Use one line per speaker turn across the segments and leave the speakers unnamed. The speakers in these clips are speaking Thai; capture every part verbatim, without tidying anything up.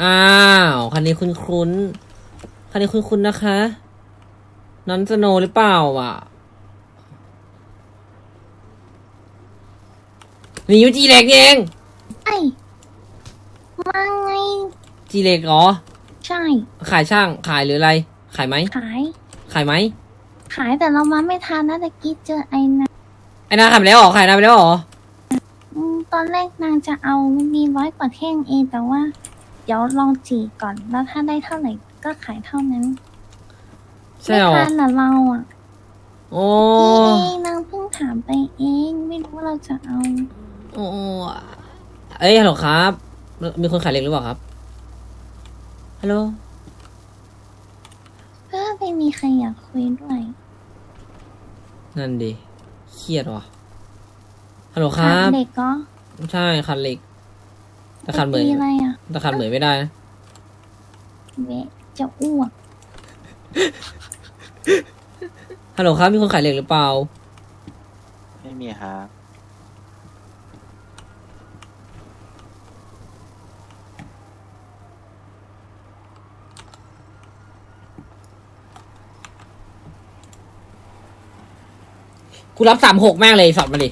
อ้าวคันนี้คุ้นคุ้นคันนี้คุ้นคุ้นนะคะนอนสโนหรือเปล่าอ่ะนี่ยูจีเล็กเอง
ไอ้มาไง
จีเล็กเหรอ
ใช่
ขายช่างขายหรืออะไรขายไหม
ขาย
ขายไหม
ขายแต่เรามาไม่ทันนะตะกี้เจอไอ้นะ
ไอ้นาขายไปแล้วเหรอขายนาไปแล้วเหรอ
ตอนแรกนางจะเอามันมีร้อยกว่าแท่งเองแต่ว่าเดี๋ยวลองจีก่อนแล้วถ้าได้เท่าไหร่ก็ขายเท่านั้น
ใช่หรอ
ไม่ทันนะเราอ่ะ
โอ้
เองนางเพิ่งถามไปเองไม่รู้ว่าเราจะเอา
โอ้เอ้ยฮัลโหลครับมีคนขายเหล็กหรือเปล่าครับฮัลโหล
ก็ไม่มีใครอยากคุยด้วย
นั่นดิเครียดว่ะฮัลโหลครับ
เด็กก็
ใช่ขัดเหล็กแต่ขัดเหมือน
อะไรอ่ะ
แต่ขัดเหมือนไม่ได้นะ
เวจะอ้วก
ฮัลโหลครับมีคนขายเหล็กหรือเปล่า
ไม่มีครับ
กูรับสามหกแม่งเลยสอดมาดิ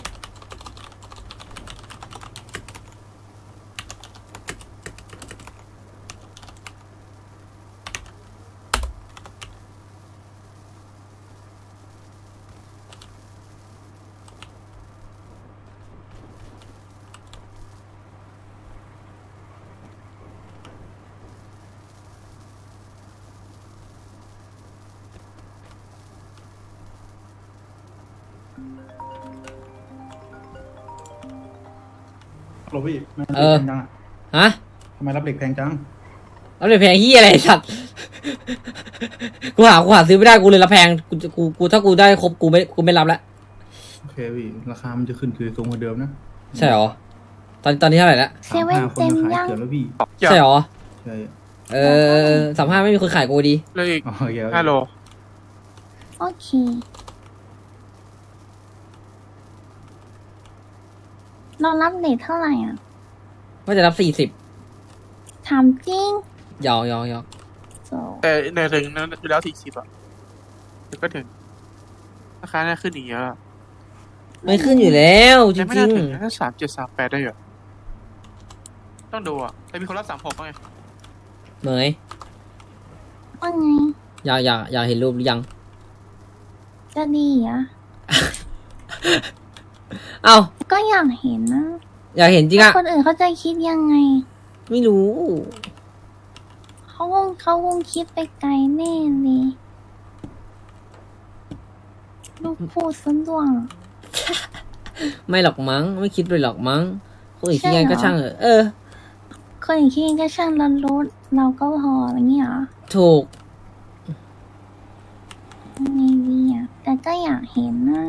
โรบี้
เออฮะ
ทำไมรับเหล็กแพงจัง
รับเหล็กแพงที่อะไรสัตว์กูหากูหาซื้อไม่ได้กูเลยรับแพงกูกูกูถ้ากูได้ครบกูไม่กูไม่รับแล้ว
โอเคพี่ราคามันจะขึ้นคือสูงกว่าเดิมนะ
ใช่หรอตอนตอนนี้เท่าไหร่แล้ว
เซเว่นเต็มยัง
แล้วพี่
ใช่หรอ
ใช่
เออสามห้าไม่มีคนขายกูดี
เลยอีกฮัลโหล
โอเคเรารับเลทเท่าไหร่อ่ะ
ว่าจะรับสี่สิบ
ถามจริง
ยอกยอกยอก
แต่ในถึงนั้นอยู่แล้วสี่สิบอ่ะถึงก็ถึงราคาน่าขึ้นอีกเยอะ
ไม่ขึ้นอยู่แล้วจริง
ไม่น่าถึงถ้าสามเจ็ดสามแปดได้เหรอต้องดูอ่ะแต่มีคนรับสามหกไง
เหมย
ว่าไง
อยากอยากอยากเห็นรูปหรือยัง
จะดีอ่ะ
เอา
ก็อยากเห็นนะ
อยากเห็นจริงอะ
คนอื่นเขาจะคิดยังไง
ไม่รู้
เขาคงเขาคงคิดไปไกลแน่เลยลูกพูดซ้ำดวง
ไม่หรอกมั้งไม่คิดไปหรอกมั้งคนอื่นคิดยังไงก็ช่างเออเออ
คนอื่นคิดยังไงก็ช่างเรารู้เราก็พออะไรเงี้ย
ถูก
ไม่ดีอ่ะแต่ก็อยากเห็นนะ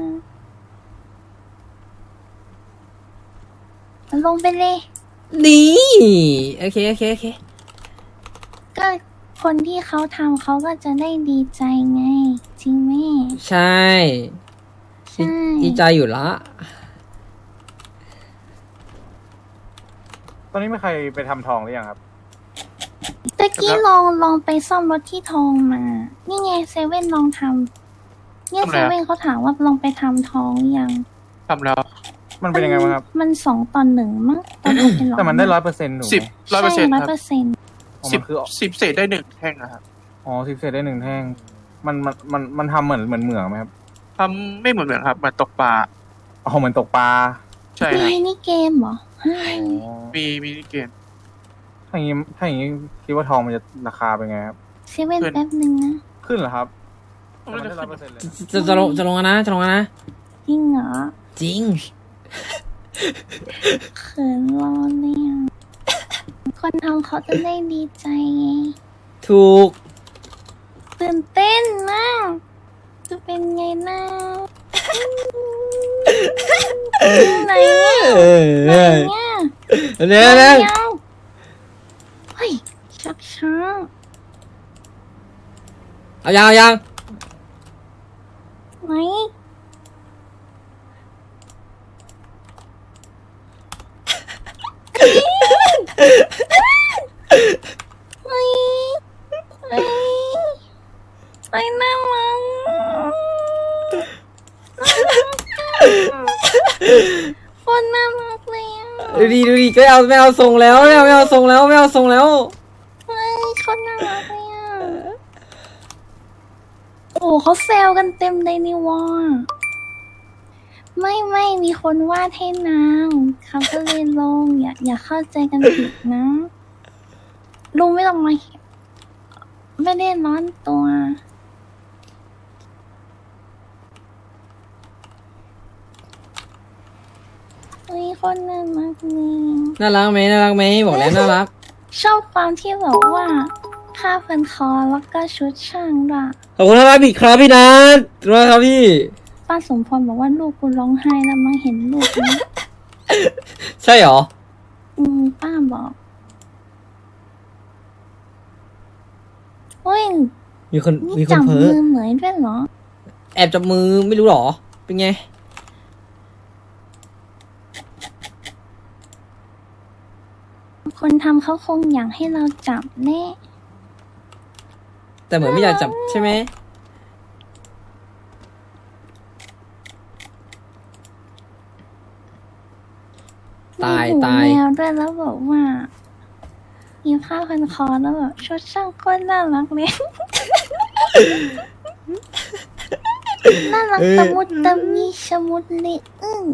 ลงไปเลย
ดีโอเคโอเคโอเค
ก็คนที่เขาทำเขาก็จะได้ดีใจไงจริงไหม
ใช่ใช่ดีใจอยู่ละ
ตอนนี้มีใครไปทำทองหรือยังครับ
ตะกี้ลองลองไปซ่อมรถที่ทองมานี่ไงเซเว่นลองทำเนี่ยเซเว่นเขาถามว่าลองไปทำทองหรือยัง
ทำแล้ว
มันเป็นยังไงบ้างครับ
มันสองตอนหนึ่งมั้งตอนนี้เป็นหรอ
แต่มันได้ร้อยเปอร์เซ็นต์หนู
สิบร้อยเปอร์เซ็นต์
ร้อยเปอร์เซ็นต์
สิบสิบเศษได้หนึ่งแท่งนะครับ
อ๋อสิบเศษได้หนึ่งแท่งมันมันมันมันทำเหมือนเหมือนเหมืองไหมครับ
ทำไม่เหมือนเหมือนครับเหมือนตกปลา
อ๋อเหมือนตกปลา
ใช่ครับ
มีนี่เกมเหรอ
มีมีเกม
ถ้าอย่างนี้ถ้าอย่างนี้คิดว่าทองมันจะราคาเป็นไงครับ
เซเว่นแป๊บนึงนะ
ขึ้นเหรอครับ
จะจะลงจะลงนะจะลงนะ
จริงเหรอ
จริง
เขินรอเนี่ยคนทำเขาจะได้ดีใจไง
ถูก
ตื่นเต้นมากจะเป็นไงนะไหนเนี่ยไหนเนี่ย
เนี่ยเนี่ย
เฮ้ยชักช้า
เอายังเอายัง
ไหน
ดูดีดูดีก็เอาไม่เอาทรงแล้วไม่เอาไม่เอาทรงแล้วไม่เอาทรงแล้ว
เฮ้ยคนน่ารักเลยอ่ะโอ้เขาแซวกันเต็มเลยนี่วะไม่ไม่มีคนวาดให้นางเขาก็เลยลงอย่าอย่าเข้าใจกันผิดนะลุงไม่ต้องมาไม่ได้ร้อนตัวเฮ้ยคนน่ารักนี่
น่ารักไหมน่ารักไหมบอกแล้วน่ารัก
ชอบความที่แบบว่าผ้าพันคอแล้วก็ชุดช่างด้วย
ขอบคุณครับพี่ครับพี่นัทขอบคุณครับพี่
ป้าสมพรบอกว่าลูกกูร้องไห้แล้วมาเห็นลูกนี้
ใช่เหรอ
อืมป้าบอกเฮ้ย
มีคน
นี่
มีคน
จับ
เพ้
มื
อ
อเหมยด้วยเหรอ
แอบจับมือไม่รู้เหรอเป็นไง
คนทำเขาคงอยากให้เราจับแน่
แต่เหมือนไม่อยากจับใช่ไหมตาย
มีหู
ตาย
แมวด้วยแล้วบอกว่ามีผ้าพันคอแล้วแบบชุดช่างโคตรน่ารักเลย น่ารักตะมุตตะมีชะมุดเลยอึ้ง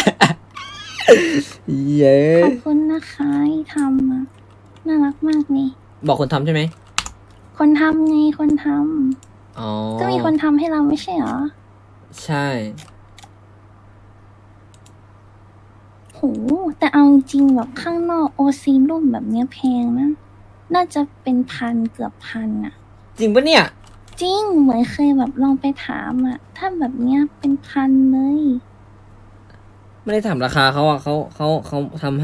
เย้
ขอบคุณนะคะที่ทำอะน่ารักมากนี่
บอกคนทำใช่ไหม
คนทำไงคนท
อ๋อ
ำก็มีคนทำให้เราไม่ใช่เหรอ
ใช่
โหแต่เอาจริงแบบข้างนอกโอซีรูปแบบเนี้ยแพงนะ น่าจะเป็นพันเกือบพันอะ
จริงปะเนี่ย
จริงเหมือนเคยแบบลองไปถามอะถ้าแบบเนี้ยเป็นพันเลย
ไม่ได้ถามราคาเขาอ่ะเขาเขาเขาทำให้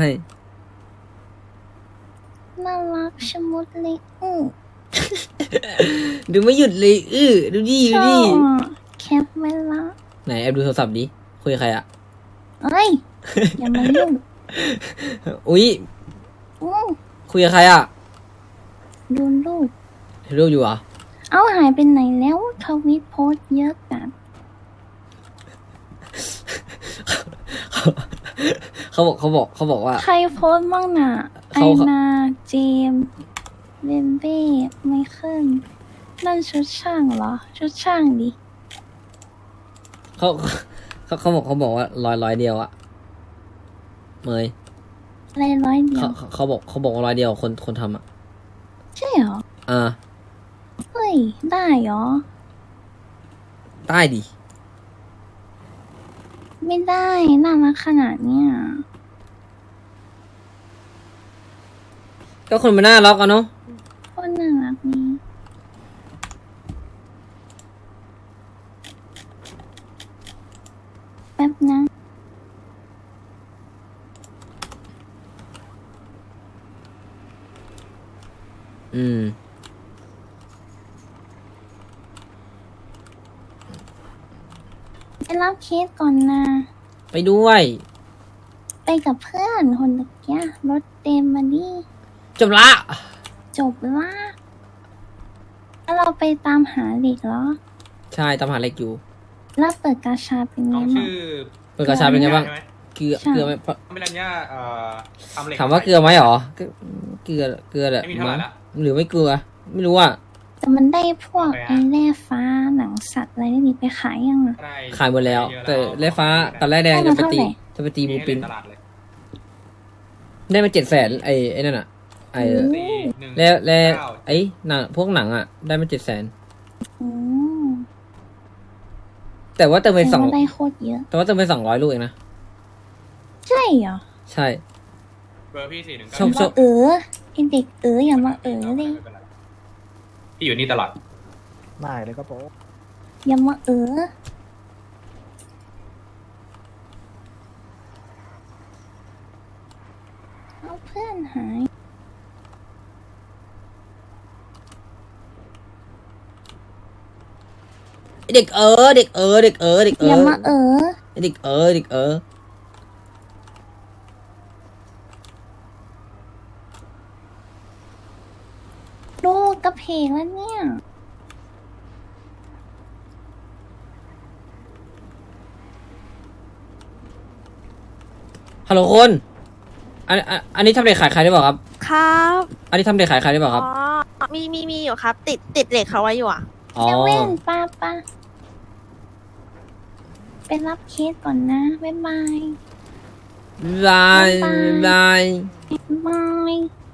น่ารักชะมุดเลยอือ
ดูไม่หยุดเลยอื้อดูดิ
ช
ดู
อ
ดิ
บอะแคปไว้ละ
ไหนแอบดูโทรศัพท์ดิคุยกับใครอ่ะ
เอ้ย อย่ามายุ่ง
อุ๊ย
อือ
คุยกับใครอ่ะ
ดูรูป
เห็นรูปอยู่เหรอ
เอาหายไปไหนแล้วทวิตโพสต์เยอะจัด
เขาบอกเขาบอกเขาบอกว่า
ใครโพสต์บ้างน่ะ ไอ
เขา
นาเจมส์เบมเบ้ไมเคิลนั่นชุดช่างเหรอ ชุดช่างดิ
เขาเขาเขาบอกเขาบอกว่าร้อยร้อยเดียวอะเมย
อะไรร้อยเดีย
เขา
ว
เขาเขาบอกเขาบอกว่าร้อยเดียวคนคนทำอะ
ใช่เหรอ
อ่า
เฮ้ย ได้เหรอ
ได้ดิ
ไม่ได้ น่ารักขนาดเนี้ย
ก็คนมันน่ารักอะเนาะ
โคตรน่ารักนี่แป๊บนะ
อืม
ไปรับเคสก่อนนะ
ไปด้วย
ไปกับเพื่อนคนตะเกียรถเต็มมาดิ
จบละ
จบละแล้วเราไปตามหาเด็กเหรอ
ใช่ตามหาเล็กอยู่
แล้วเปิดกาชาเป็นไง
น้อง
บ้าง
ชื่อ
เปิดกระชาเป็นไงบ้าง
ใช่หม
เกลือ
ใช่
เกลือไหมเพราะ
ไม่รัญญาเอ่อทำเหล็ก
ถามว่าเกลือไหมหรอเกลือเกลือเกลือแหละ
ไม่มีเท่าไหร่ละ
หรือไม่เกลือ ไม่รู้อ่ะ
แต่มันได้พวก
โอเคฮะ
ไอ้แร่ฟ้าหนังสัตว์อะไรนี่ไปขายยังอะ
ได้
ขายหมดแล้ว
เยอะ
แต่แร่ฟ้ากับแร่แดง
ได้
จะ
มา
ไปตี
เท่าไหร่
จะไปตี
มี
บู
ให้
ปิน
ในตลาดเลย
ได้มาเจ็ดแสนไอ้ไอ้นั่นอ่ะไอ้
สี่หนึ่ง
แล้วแล้ว
เก้า
ไอ้หนังพวกหนังอ่ะ ได้มาเจ็ดแสน
อืม
แต่ว่าเติมไป
แต่
สอง
ว่าได้โคตรเยอะ
แต่ว่าเติมไปสองร้อยลูกเองนะ
ใช่เหรอ
ใช่
เบอร์พี่สี่หนึ่ง
ช
เก้า
อบช
ว่า
อบ
เออไอเด็กเอออย่ามาเออเลย
พี่อยู่นี่ตลอด
ได้เลยก็โป๊ะ
อย่ามาเออเอาเพื่อนหาย
เด็กเออเด็กเออเด็กเออเด็กเอ
อย่า
อ
มาเออ
เด็กเออเด็กเออ
ลูกกระเพกแล้วเนี่ย
ฮัลโหลคน
ฮ
อันอันอันนี้ทำเหล็กขายใครได้เปล่าครับ
ครับ
อันนี้ทำเหล็กขายใครได้เปล่าครับ
อ๋อมีมีมีอยู่ครับ ติดติดเหล็กเขาไว้อยู่อ่ะ
อ๋อ
เซเว่นป้าป้าไปรับเคสก่อนนะ บ๊ายบาย
บายบาย
บาย